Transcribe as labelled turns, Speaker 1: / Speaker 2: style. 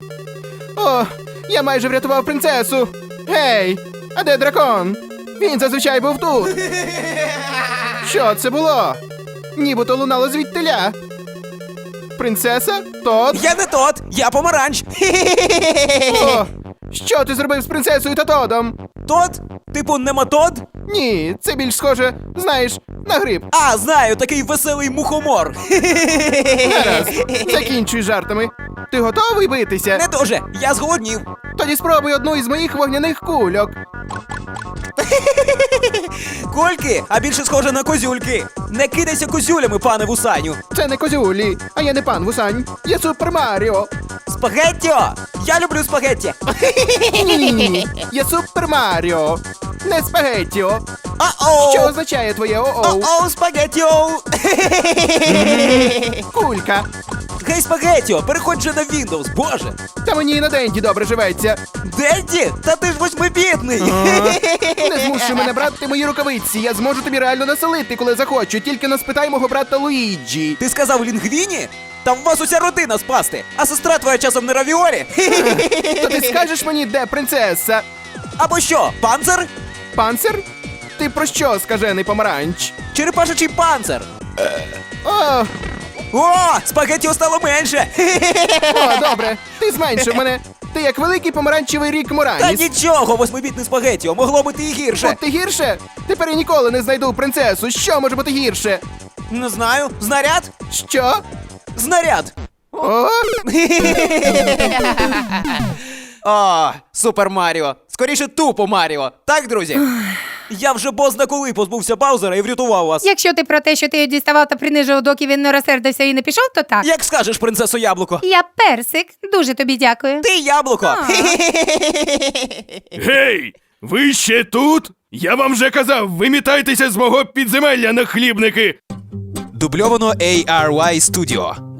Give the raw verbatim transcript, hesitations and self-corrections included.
Speaker 1: О, я майже врятував принцесу. Гей, а де дракон? Він зазвичай був тут. Що це було? Нібито лунало звідтиля. Принцеса? Тот?
Speaker 2: Я не тот, я помаранч.
Speaker 1: О, що ти зробив з принцесою та Тодом?
Speaker 2: Тот? Типу нематод?
Speaker 1: Ні, це більш схоже, знаєш, на гриб.
Speaker 2: А, знаю, такий веселий мухомор.
Speaker 1: Гаразд, закінчуй жартами. Ти готовий битися?
Speaker 2: Не дуже, я зголоднів.
Speaker 1: Тоді спробуй одну із моїх вогняних кульок.
Speaker 2: Кольки, а більше схоже на козюльки. Не кидайся козюлями, пане Вусаню.
Speaker 1: Це не козюлі, а я не пан Вусань. Я Супер Маріо.
Speaker 2: Спагеттіо! Я люблю спагетті.
Speaker 1: Ні, я Супер Маріо. Не спагеттіо.
Speaker 2: А-оу!
Speaker 1: Що означає твоє о-оу?
Speaker 2: О-оу, спагеттіо!
Speaker 1: Кулька.
Speaker 2: Гей, спагеттіо, переходь же на Windows, боже!
Speaker 1: Та мені і на денді добре живеться.
Speaker 2: Денді? Та ти ж восьмибітний!
Speaker 1: Не змушуй мене брати мої рукавиці. Я зможу тобі реально насолити, коли захочу. Тільки не спитай мого брата Луїджі.
Speaker 2: Ти сказав лінгвіні? Та в вас уся родина спасти, а сестра твоя часом не равіолі?
Speaker 1: То ти скажеш мені, де принцеса?
Speaker 2: Або що, панцир?
Speaker 1: Панцир? Ти про що, скажений помаранч?
Speaker 2: Черепашечий панцир?
Speaker 1: О,
Speaker 2: О, спагеттіо стало менше!
Speaker 1: о, добре. Ти зменшив мене. Ти як великий помаранчевий рік
Speaker 2: Та
Speaker 1: Мораніс.
Speaker 2: нічого, восьмибітний спагеттіо, могло бути і гірше.
Speaker 1: От ти гірше? Тепер я ніколи не знайду принцесу. Що може бути гірше?
Speaker 2: Не знаю, знаряд?
Speaker 1: Що?
Speaker 2: Знаряд!
Speaker 1: О,
Speaker 2: О, Супер Маріо. Скоріше тупо Маріо. Так, друзі? Я вже бозна коли позбувся Баузера і врятував вас.
Speaker 3: Якщо ти про те, що ти його діставав та принижував, доки він не розсердився і не пішов, то так.
Speaker 2: Як скажеш, принцесо Яблуко?
Speaker 3: Я персик. Дуже тобі дякую.
Speaker 2: Ти яблуко!
Speaker 4: Гей! Ви ще тут? Я вам вже казав, вимітайтеся з мого підземелля, нахлібники!
Speaker 2: Дубльовано ей ар вай Studio.